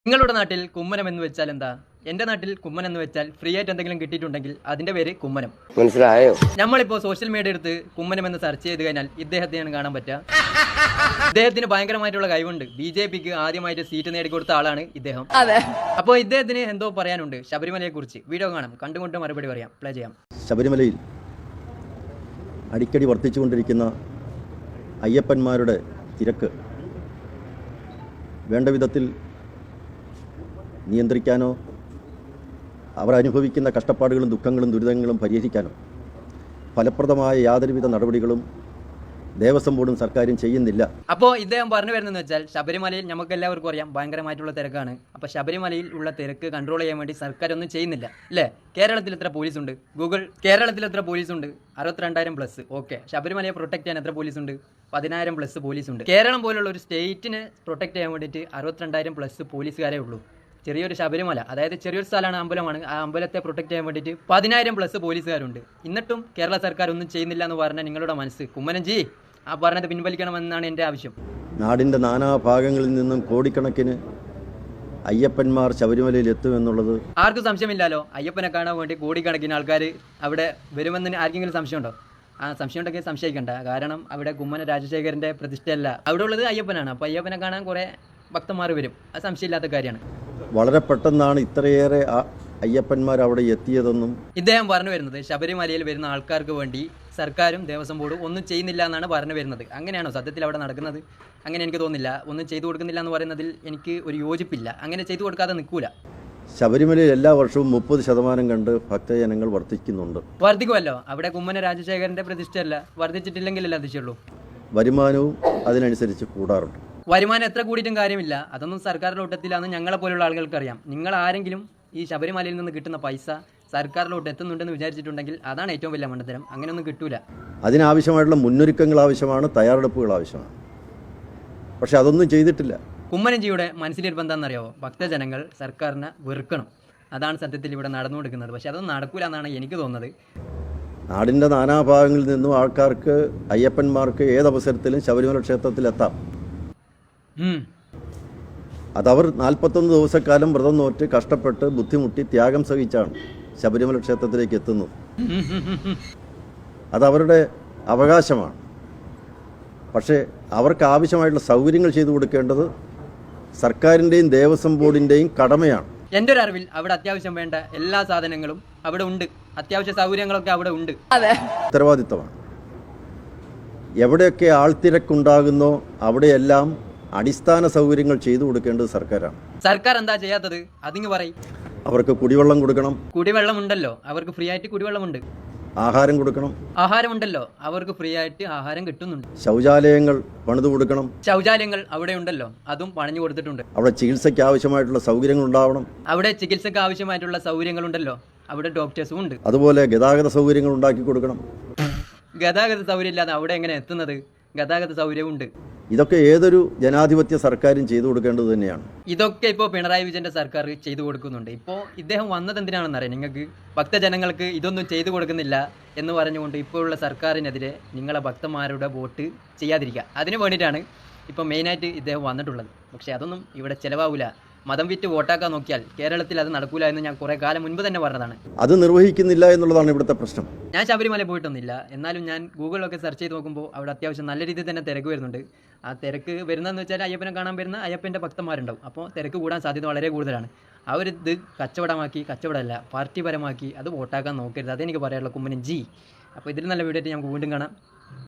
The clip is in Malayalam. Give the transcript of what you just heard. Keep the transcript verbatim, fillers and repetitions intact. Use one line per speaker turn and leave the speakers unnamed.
നിങ്ങളുടെ നാട്ടിൽ കുമ്മനം എന്ന് വെച്ചാൽ എന്താ? എന്റെ നാട്ടിൽ കുമ്മനം എന്ന് വെച്ചാൽ ഫ്രീ ആയിട്ട് എന്തെങ്കിലും കിട്ടിയിട്ടുണ്ടെങ്കിൽ അതിന്റെ പേര് കുമ്മനം.
മനസ്സിലായോ?
നമ്മളിപ്പോ സോഷ്യൽ മീഡിയ എടുത്ത് കുമ്മനം എന്ന് സെർച്ച് ചെയ്ത് കഴിഞ്ഞാൽ ഇദ്ദേഹത്തെയാണ് കാണാൻ പറ്റുക. ഇദ്ദേഹത്തിന് ഭയങ്കരമായിട്ടുള്ള കഴിവുണ്ട്. ബി ജെ പിക്ക് ആദ്യമായിട്ട് സീറ്റ് നേടിക്കൊടുത്ത ആളാണ് ഇദ്ദേഹം. അപ്പോൾ ഇദ്ദേഹത്തിന് എന്തോ പറയാനുണ്ട് ശബരിമലയെ കുറിച്ച്. വീഡിയോ കാണാം, കണ്ടുകൊണ്ട് മറുപടി പറയാം. പ്ലേ ചെയ്യാം.
ശബരിമലയിൽ അടിക്കടി വർദ്ധിച്ചുകൊണ്ടിരിക്കുന്ന അയ്യപ്പന്മാരുടെ തിരക്ക് വേണ്ട വിധത്തിൽ നിയന്ത്രിക്കാനോ അവർ അനുഭവിക്കുന്ന കഷ്ടപ്പാടുകളും ദുഃഖങ്ങളും ദുരിതങ്ങളും പരിഹരിക്കാനോ ഫലപ്രദമായ യാതൊരുവിധ നടപടികളും ദേവസ്വം ബോർഡും സർക്കാരും ചെയ്യുന്നില്ല.
അപ്പോൾ ഇദ്ദേഹം പറഞ്ഞു വരുന്നതെന്ന് വെച്ചാൽ ശബരിമലയിൽ നമുക്ക് എല്ലാവർക്കും അറിയാം ഭയങ്കരമായിട്ടുള്ള തിരക്കാണ്. അപ്പോൾ ശബരിമലയിൽ ഉള്ള തിരക്ക് കൺട്രോൾ ചെയ്യാൻ വേണ്ടി സർക്കാർ ഒന്നും ചെയ്യുന്നില്ല അല്ലേ? കേരളത്തിൽ എത്ര പോലീസുണ്ട്? ഗൂഗിൾ കേരളത്തിൽ എത്ര പോലീസുണ്ട്? അറുപത്തിരണ്ടായിരം പ്ലസ്. ഓക്കെ, ശബരിമലയെ പ്രൊട്ടക്ട് ചെയ്യാൻ എത്ര പോലീസുണ്ട്? പതിനായിരം പ്ലസ് പോലീസുണ്ട്. കേരളം പോലുള്ള ഒരു സ്റ്റേറ്റിനെ പ്രൊട്ടക്ട് ചെയ്യാൻ വേണ്ടിയിട്ട് അറുപത്തിരണ്ടായിരം പ്ലസ് പോലീസുകാരേ ഉള്ളൂ. ചെറിയൊരു ശബരിമല, അതായത് ചെറിയൊരു സ്ഥലമാണ്, അമ്പലമാണ്. ആ അമ്പലത്തെ പ്രൊട്ടക്ട് ചെയ്യാൻ വേണ്ടിയിട്ട് പതിനായിരം പ്ലസ് പോലീസുകാരുണ്ട്. എന്നിട്ടും കേരള സർക്കാർ ഒന്നും ചെയ്യുന്നില്ല എന്ന് പറഞ്ഞാൽ നിങ്ങളുടെ മനസ്സ് കുമ്മനംജി ആ പറഞ്ഞത് പിൻവലിക്കണമെന്നാണ് എൻ്റെ ആവശ്യം.
നാടിൻ്റെ നാനാഭാഗങ്ങളിൽ നിന്നും കോടിക്കണക്കിന് അയ്യപ്പന്മാർ ശബരിമലയിൽ എത്തുമെന്നുള്ളത്
ആർക്കും സംശയമില്ലല്ലോ. അയ്യപ്പനെ കാണാൻ വേണ്ടി കോടിക്കണക്കിന് ആൾക്കാർ അവിടെ വരുമെന്ന് ആർക്കെങ്കിലും സംശയമുണ്ടോ? ആ സംശയം ഉണ്ടെങ്കിൽ സംശയിക്കണ്ട. കാരണം അവിടെ കുമ്മന രാജശേഖരൻ്റെ പ്രതിഷ്ഠയല്ല, അവിടെ ഉള്ളത് അയ്യപ്പനാണ്. അപ്പോൾ അയ്യപ്പനെ കാണാൻ കുറേ ഭക്തന്മാർ വരും, അത് സംശയമില്ലാത്ത കാര്യമാണ്.
വളരെ പെട്ടെന്നാണ് ഇത്രയേറെ അയ്യപ്പന്മാർ അവിടെ എത്തിയതെന്നും
ഇദ്ദേഹം പറഞ്ഞു വരുന്നത് ശബരിമലയിൽ വരുന്ന ആൾക്കാർക്ക് വേണ്ടി സർക്കാരും ദേവസ്വം ബോർഡും ഒന്നും ചെയ്യുന്നില്ല എന്നാണ് പറഞ്ഞു വരുന്നത്. അങ്ങനെയാണോ സത്യത്തിൽ അവിടെ നടക്കുന്നത്? അങ്ങനെ എനിക്ക് തോന്നുന്നില്ല. ഒന്നും ചെയ്തു കൊടുക്കുന്നില്ല എന്ന് പറയുന്നതിൽ എനിക്ക് ഒരു യോജിപ്പില്ല. അങ്ങനെ ചെയ്തു കൊടുക്കാതെ നിൽക്കൂല.
ശബരിമലയിൽ എല്ലാ വർഷവും മുപ്പത് ശതമാനം കണ്ട് ഭക്തജനങ്ങൾ വർദ്ധിക്കുന്നുണ്ട്.
വർദ്ധിക്കുമല്ലോ. അവിടെ കുമ്മന രാജശേഖരന്റെ പ്രതിഷ്ഠയല്ല, വർദ്ധിച്ചിട്ടില്ലെങ്കിലല്ല അതിശയുള്ളൂ.
വരുമാനവും അതിനനുസരിച്ച് കൂടാറുണ്ട്.
വരുമാനം എത്ര കൂടിയിട്ടും കാര്യമില്ല. അതൊന്നും സർക്കാരിന്റെ ഒട്ടത്തിലാന്ന് ഞങ്ങളെ പോലുള്ള ആളുകൾക്ക് അറിയാം. നിങ്ങൾ ആരെങ്കിലും ഈ ശബരിമലയിൽ നിന്ന് കിട്ടുന്ന പൈസ സർക്കാരിലോട്ട് എത്തുന്നുണ്ടെന്ന് വിചാരിച്ചിട്ടുണ്ടെങ്കിൽ അതാണ് ഏറ്റവും വലിയ മണ്ടത്തരം. അങ്ങനെയൊന്നും കിട്ടൂല.
അതിനാവശ്യമായിട്ടുള്ള മുന്നൊരുക്കങ്ങൾ ആവശ്യമാണ്, തയ്യാറെടുപ്പുകൾ ആവശ്യമാണ്. പക്ഷെ അതൊന്നും ചെയ്തിട്ടില്ല.
കുമ്മനംജിയുടെ മനസ്സിലിരിപ്പ് എന്താണെന്നറിയാവോ? ഭക്തജനങ്ങൾ സർക്കാരിനെ വെറുക്കണം. അതാണ് സത്യത്തിൽ ഇവിടെ നടന്നുകൊടുക്കുന്നത്. പക്ഷെ അതൊന്നും നടക്കൂല എന്നാണ് എനിക്ക് തോന്നുന്നത്.
നാടിൻ്റെ നാനാഭാഗങ്ങളിൽ നിന്നും ആൾക്കാർക്ക്, അയ്യപ്പന്മാർക്ക് ഏതവസരത്തിലും ശബരിമല ക്ഷേത്രത്തിലെത്താം. അതവർ നാൽപ്പത്തൊന്ന് ദിവസക്കാലം വ്രതം നോറ്റ് കഷ്ടപ്പെട്ട് ബുദ്ധിമുട്ടി ത്യാഗം സഹിച്ചാണ് ശബരിമല ക്ഷേത്രത്തിലേക്ക് എത്തുന്നത്. അതവരുടെ അവകാശമാണ്. പക്ഷേ അവർക്ക് ആവശ്യമായിട്ടുള്ള സൗകര്യങ്ങൾ ചെയ്തു കൊടുക്കേണ്ടത് സർക്കാരിൻ്റെയും ദേവസ്വം ബോർഡിൻ്റെയും കടമയാണ്.
എൻ്റെ ഒരു അറിവിൽ അവിടെ അത്യാവശ്യം വേണ്ട എല്ലാ സാധനങ്ങളും അവിടെ ഉണ്ട്. അത്യാവശ്യ സൗകര്യങ്ങളൊക്കെ അവിടെ ഉണ്ട്.
ഉത്തരവാദിത്തമാണ്. എവിടെയൊക്കെ ആൾത്തിരക്കുണ്ടാകുന്നോ അവിടെയെല്ലാം അടിസ്ഥാന സൗകര്യങ്ങൾ ചെയ്തു കൊടുക്കേണ്ടത് സർക്കാരാണ്.
സർക്കാർ എന്താ ചെയ്യാത്തത്? അതിങ്ങ് പറയും.
അവർക്ക് കുടിവെള്ളം കൊടുക്കണം.
കുടിവെള്ളം ഉണ്ടല്ലോ, അവർക്ക് ഫ്രീ ആയിട്ട് കുടിവെള്ളമുണ്ട്.
ആഹാരം കൊടുക്കണം.
ആഹാരം ഉണ്ടല്ലോ, അവർക്ക് ഫ്രീ ആയിട്ട് ആഹാരം കിട്ടുന്നുണ്ട്.
ശൗചാലയങ്ങൾ പണിതു കൊടുക്കണം.
ശൗചാലയങ്ങൾ അവിടെ ഉണ്ടല്ലോ, അതും പണിഞ്ഞു കൊടുത്തിട്ടുണ്ട്.
അവിടെ ചികിത്സയ്ക്ക് ആവശ്യമായിട്ടുള്ള സൗകര്യങ്ങൾ ഉണ്ടാവണം.
അവിടെ ചികിത്സയ്ക്ക് ആവശ്യമായിട്ടുള്ള സൗകര്യങ്ങൾ ഉണ്ടല്ലോ, അവിടെ ഡോക്ടേഴ്സും ഉണ്ട്.
അതുപോലെ ഗതാഗത സൗകര്യങ്ങൾ ഉണ്ടാക്കി കൊടുക്കണം.
ഗതാഗത സൗകര്യം ഇല്ലാതെ അവിടെ എങ്ങനെ എത്തുന്നത്? ഗതാഗത സൗകര്യവും ഉണ്ട്.
ഇതൊക്കെ ഏതൊരു ജനാധിപത്യ സർക്കാരും ചെയ്തു കൊടുക്കേണ്ടത് തന്നെയാണ്.
ഇതൊക്കെ ഇപ്പോൾ പിണറായി വിജയന്റെ സർക്കാർ ചെയ്തു കൊടുക്കുന്നുണ്ട്. ഇപ്പോൾ ഇദ്ദേഹം വന്നത് എന്തിനാണെന്ന് അറിയാം നിങ്ങൾക്ക്? ഭക്തജനങ്ങൾക്ക് ഇതൊന്നും ചെയ്തു കൊടുക്കുന്നില്ല എന്ന് പറഞ്ഞുകൊണ്ട് ഇപ്പോഴുള്ള സർക്കാരിനെതിരെ നിങ്ങളെ ഭക്തന്മാരുടെ വോട്ട് ചെയ്യാതിരിക്കുക, അതിന് വേണ്ടിയിട്ടാണ് ഇപ്പോൾ മെയിനായിട്ട് ഇദ്ദേഹം വന്നിട്ടുള്ളത്. പക്ഷേ അതൊന്നും ഇവിടെ ചിലവാകില്ല. മതം വിറ്റ് വോട്ടാക്കാൻ നോക്കിയാൽ കേരളത്തിൽ അത് നടക്കൂല എന്ന് ഞാൻ കുറേ കാലം മുൻപ് തന്നെ പറഞ്ഞതാണ്.
അത് നിർവഹിക്കുന്നില്ല എന്നുള്ളതാണ് ഇവിടുത്തെ പ്രശ്നം.
ഞാൻ ശബരിമല പോയിട്ടൊന്നുമില്ല, എന്നാലും ഞാൻ ഗൂഗിളിലൊക്കെ സെർച്ച് ചെയ്ത് നോക്കുമ്പോൾ അവിടെ അത്യാവശ്യം നല്ല രീതിയിൽ തന്നെ തിരക്ക് വരുന്നുണ്ട്. ആ തിരക്ക് വരുന്നതെന്ന് വെച്ചാൽ അയ്യപ്പനെ കാണാൻ വരുന്ന അയ്യപ്പൻ്റെ ഭക്തന്മാരുണ്ടാവും. അപ്പോൾ തിരക്ക് കൂടാൻ സാധ്യത വളരെ കൂടുതലാണ്. ആ ഒരു ഇത് കച്ചവടമാക്കി, കച്ചവടമല്ല പാർട്ടിപരമാക്കി അത് വോട്ടാക്കാൻ നോക്കരുത്. അതെനിക്ക് പറയാനുള്ള കുമ്മനംജി. അപ്പോൾ ഇതിൽ നല്ല വീഡിയോ ആയിട്ട് നമുക്ക് വീണ്ടും കാണാം.